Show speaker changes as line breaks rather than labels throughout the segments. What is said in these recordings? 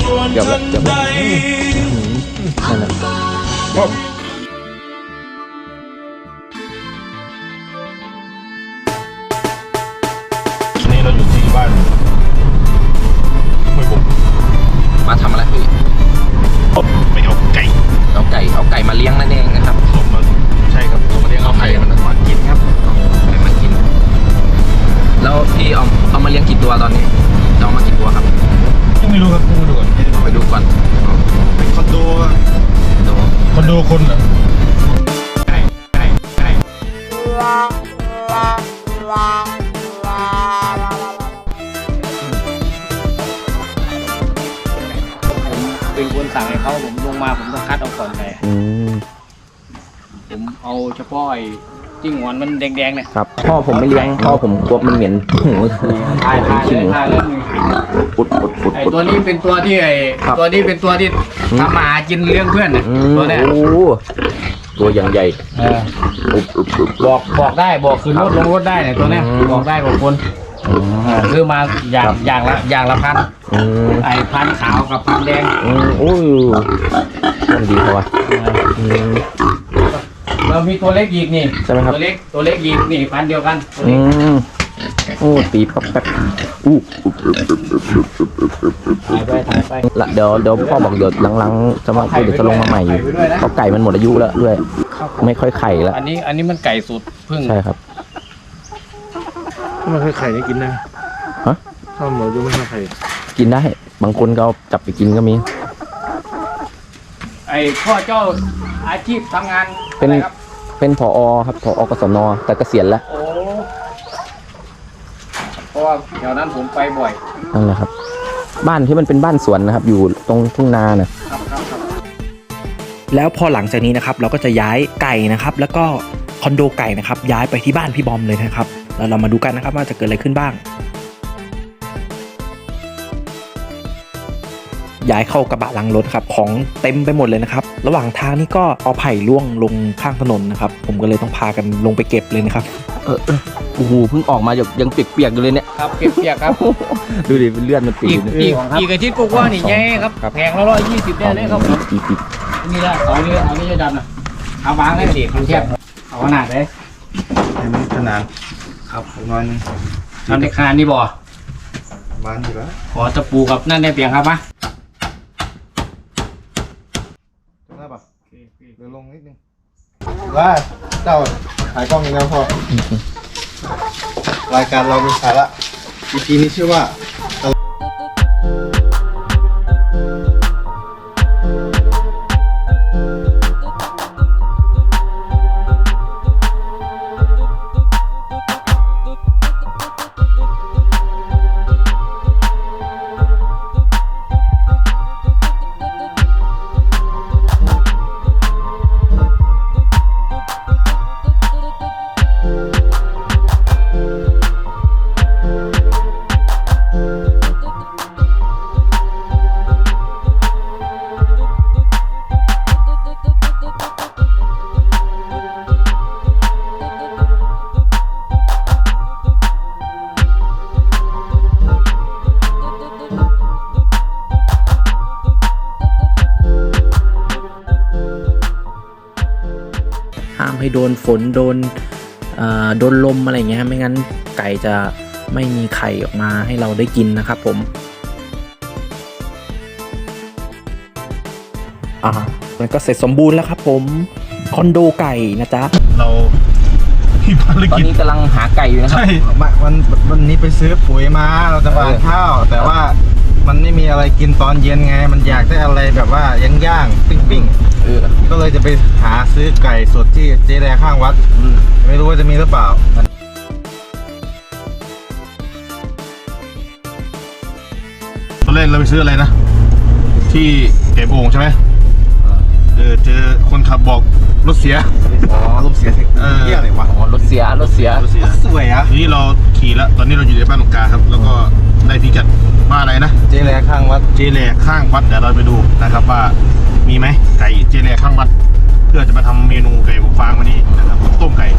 เกือบแล้วนั่นแหละ
นี่เราอยู่ที่บ้านห้วยบง
มาทำอะไรพี่
ไปเอาไก่
มาเลี้ยงนั่นเองนะครับ
ส่งมาใช่ครับส่งมาเลี้ยงเอาไก่มันมากินครับ
ไก่มากินแล้วพี่เอามาเลี้ยงกี่ตัวตอนนี้จะเอามากี่ตัวครับ
ยังไม่รู้ครับต้องมาดูก่อน
ไปดูก่อน
เป็นคอนโดคนเหรอ
เป็นคนสั่งให้เขาผมลงมาผมต้องคัดเอาก่อนไปผมเอาเฉพาะไอ้จิ้งหวานมันแดงๆเนี่ย
ครับพ่อผมไม่เลี้ยงพ่อผมกลัวมันเหม็นหู
ทายแล้ว
ปุด
ไอ้ตัวนี้เป็นตัวที่ตัวนี้เป็นตัวที่ทำมาหากินเลี้ยงเพื่อนตัวเนี้ย
ตัวอย่างใหญ่
บอกได้บอกคือรถลงรถได้เนี่ยตัวเนี้ยบอกได้บอกคนซื้อมาอย่างละพันไอ้พันขาวกับพันแดง
โอ้ยมันดีเขาวะ
เรามีตัวเล็กอีกนี่
ใช่ไหมครับ
ตัวเล็กอีกนี่พันเดียวกัน
โอ้ตีป๊อปแป๊บ
ถ่ายไป
ละเดี๋ยวพ่อบอกเดี๋ยวหลังๆจะมาคุยเดี๋ยวจะลงมาใหม่อยู่เพราะไก่มันหมดอายุแล้วด้วยไม่ค่อยไข่แล้ว
อันนี้มันไก่สุดพึ่ง
ใช่ครับ
มันคือไข่นี่กินได้
ฮะ
ถ้าหมดอายุไม่ใช่ไข่
กินได้บางคนก็จับไปกินก็มี
ไอ้พ่อเจ้าอาชีพทำงาน
เป็นผอครับผอกศนแต่เกษียณแล้ว
โอ้เพราะว่าแถวนั้นผมไปบ่อย
นั่นแหละครับบ้านที่มันเป็นบ้านสวนนะครับอยู่ตรงทุ่งนาเนี่ย
แล้วพอหลังจากนี้นะครับเราก็จะย้ายไก่นะครับแล้วก็คอนโดไก่นะครับย้ายไปที่บ้านพี่บอมเลยนะครับแล้วเรามาดูกันนะครับว่าจะเกิดอะไรขึ้นบ้างย้ายเข้ากระบะหลังรถครับของเต็มไปหมดเลยนะครับระหว่างทางนี่ก็เอาไผ่ร่วงลงข้างถนนนะครับผมก็เลยต้องพากันลงไปเก็บเลยนะครับ
โอ้โหเพิ่งออกมายังเปียกๆอยู่เลยเนี่ย
ครับเปียกครับ
ดูดิเป็นเลือดมันติดอยู่
อีกอาทิตย์กว่านี่ไงครับแพงแล้ว120ได้เลยครับนี่ละเอานี่จะดันนะเอาวางให้เด็กมันแคบเอาขนาดเลย
ขนาด
ครับประมาณทำในคานนี่บ่
บ้านอยู่แล้ว
ขอตะปูกับนั่นได้เปียงครับมะ
ได้ปะเดี๋ยวลงนิดนึงว่าเจ้าถ่ายกล้องยังไงพอรายการเรามีสาระ EP นี้ชื่อว่า
ห้ามให้โดนฝนโดนลมอะไรเงี้ยไม่งั้นไก่จะไม่มีไข่ออกมาให้เราได้กินนะครับผมมันก็เสร็จสมบูรณ์แล้วครับผมคอนโดไก่นะจ๊ะ
เรา
ตอนนี้กำลังหาไก่อยู่นะครับ
ใช่วันนี้ไปซื้อปุ๋ยมาเราจะหว่านข้าวแต่ว่ามันไม่มีอะไรกินตอนเย็นไงมันอยากได้อะไรแบบว่าย่างปิ้งก็เลยจะไปหาซื้อไก่สดที่เจ๊แดข้างวัดไม่รู้ว่าจะมีหรือเปล่าตอนแรกเราไปซื้ออะไรนะที่เก็บโอ่งใช่ไหมเจอคนขับบอกรถเสียรถเสียที่อะไรวะ
รถเสีย
สวยอ่ะทีนี้เราขี่แล้วตอนนี้เราอยู่ในบ้านตรงกลางครับแล้วก็ได้พิกัดว่าอะไรนะ
เจแลข้างวัด
เดี๋ยวเราไปดูนะครับว่ามีไหมไก่เจแลข้างวัดเพื่อจะมาทำเมนูไก่อบฟางวันนี้นะครับต้มไก่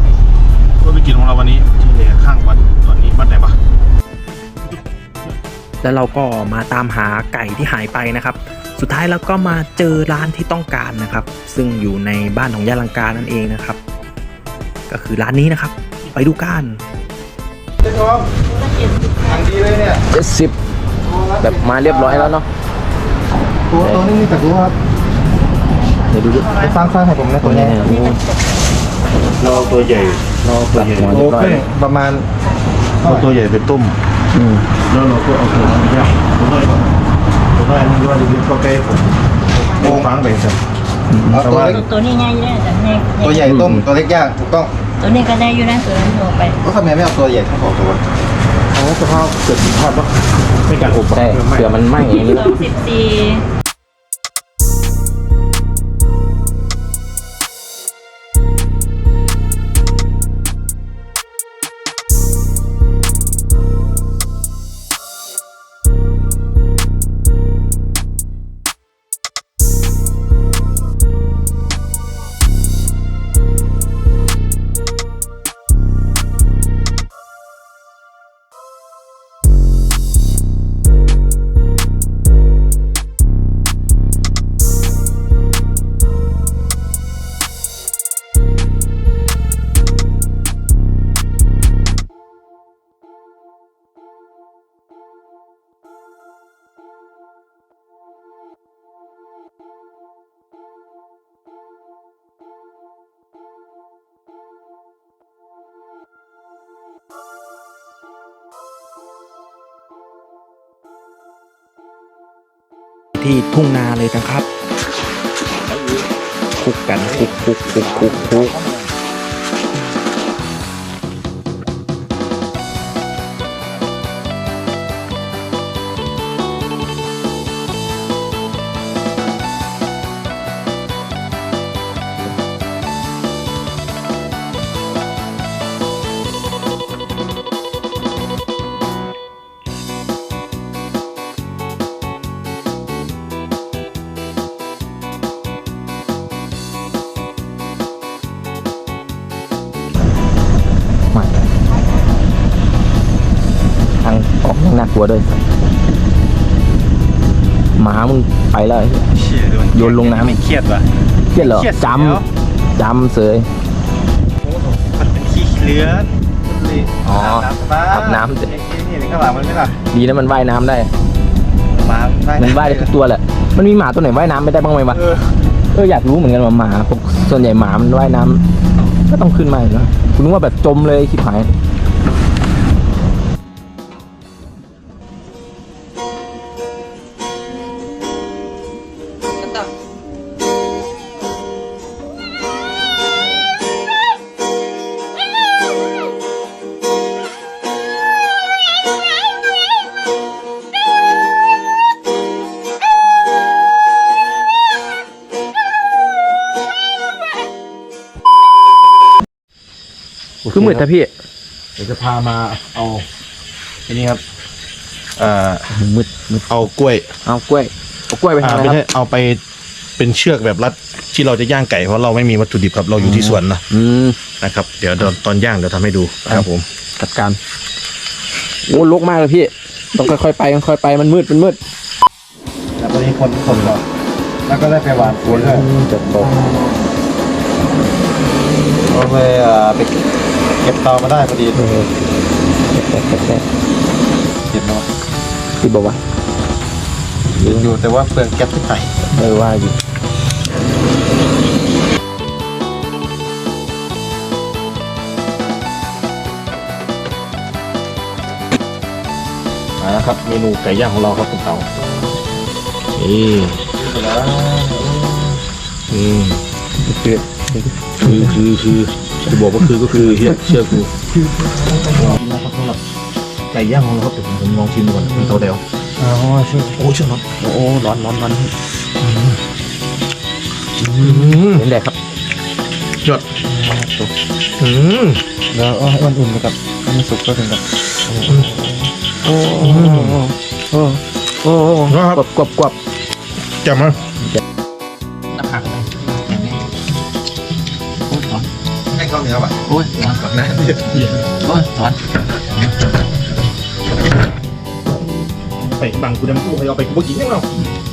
ก็ไปกินของเราวันนี้เจแลข้างวัดตอนนี้วัดไหนปะ
แล้วเราก็มาตามหาไก่ที่หายไปนะครับ สุดท้ายเราก็มาเจอร้านที่ต้องการนะครับ ซึ่งอยู่ในบ้านของย่าลังกานั่นเองนะครับ ก็คือร้านนี้นะครับ ไปดูกัน
เจ๊ทองทางดีเลยเนี่ย
70แบบมาเรียบร้อยแล้วเนาะ
ตัวนี้มีแต่ตัวครับ
เดี๋ยวดูดิ
สร้างให้ผมนะตัวนี้
เราเอาตัวใหญ่เราเอาตัวใหญ่
หัว
โล
เรียบร้อย
ครึ่งประมาณ
เอาตัวใหญ่ไปต้ม
อืม
แล้วเราก็เอาตัวนั้นย่างตัวน้อยก่อนตัวน้อยมันย่อยลึกๆเข้าใกล้ผมโอ้ฟังไปสิ
เอาตัวเล็ก
ตัวนี้ง่ายอยู่แล้วแต่แม่
ตัวใหญ่ต้มตัวเล็กย่างถูกต้อง
ตัวนี้ก็ได้อยู่นะตัวนั้นโทรไป
ก็ทำไมไม่เอาตัวใหญ่ทั้งสองตัว
เอาสภาพเกิดผิดพลาดปะไม่การอบ
ใช่เผื่อมันไหม้อย่างนี้
24
ที่ทุ่งนาเลยนะครับคลุกกันคลุก
มาทางออกยังน่ากลัวด้วยหมามึงไปแล้ว โยนลงน้ำ
ไม่เครียดว่ะ
เครียดเหรอ
เครียด
จำเสย
มันเป็นขี้เลื้อน
อ๋ออาบน้ำ
นี่ข้างหลังมันไม่หลับ
ดีนะมันว่ายน้ำได้
หมา
มันว่ายได้ทุกตัวแหละ มันมีหมาตัวไหนว่ายน้ำไม่ได้บ้างไหมวะ อยากรู้เหมือนกันว่าหมาพวกส่วนใหญ่หมามันว่ายน้ำก็ต้องขึ้นมาอยู่แล้วคุณนึกว่าแบบจมเลยคิดหาย คือมืดแต่พี่
เดี๋ยวจะพามาเอาอันนี้ครับ
มืด
เอากล้วย
เอากล้วยไปทำอะไร
ไม่
ค
ใช่
รับ
เอาไปเป็นเชือกแบบรัดที่เราจะย่างไก่เพราะเราไม่มีวัตถุดิบครับเราอยู่ที่สวนนะ นะครับเดี๋ยวตอนย่างเดี๋ยวทำให้ดูครับผม
จัดการโอ้ลกมากเลยพี่ต้องค่อยๆไปมันมืด
แล้วตอนนี้คนก่อนแล้วก็ได้ไปหวานปุ๋ยด้วย
จะตก
ก็เลยไปเก็บเตามาได้พอดีเก็บเนาะ
ที่บอกว่า
อยู่แต่ว่าเปลืองแก๊สที่ไหน
ว่าอยู่
มาแล้วครับเมนูไก่ย่างของเราครับคุณเต๋านี่คือจะบอกว่าคือก็คือเชื่อกูนะครับสำหรับไก่ย่างของเราครับเดี๋ยวผมลองชิมดูก่อนคุณเต๋าเดียว
อ๋อช่วย
โอ้ชื่อร้อนโอ้ร้อน
เห็นแดกครับ
ยอด
แล้วให้มันอุ่นไปกับให้มันสุกก็ถึงกับ
กวบ
จำมั้ย
ให้ข้าวเหนียวอ่ะ
โอ้ยร้อน
แบบนั้น
โอ้ยร้อน
ไปบังกูได้มั้ยกูเอาไปกูบ่กินยังเนาะ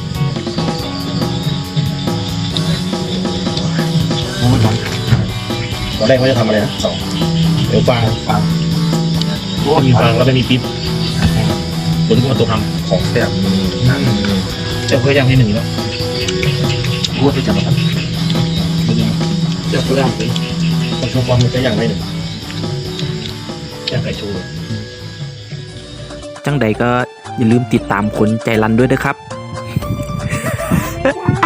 ตอนแรกเขาจะทำอะไรนะเดี๋ยวฟางมีฟางแล้วไม่มีปิ๊บตัวนี้ก็มาตัวทำของแซ่บเจ้าเคยย่างที่หนึ่งแล้วกูว่าไปจับมาทำเจ้าเคยย่างไปคนชมความมันจะย่างได้หนึ่งย่างไก่ชูเลย
จังใดก็อย่าลืมติดตามคนใจรันด้วยนะครับ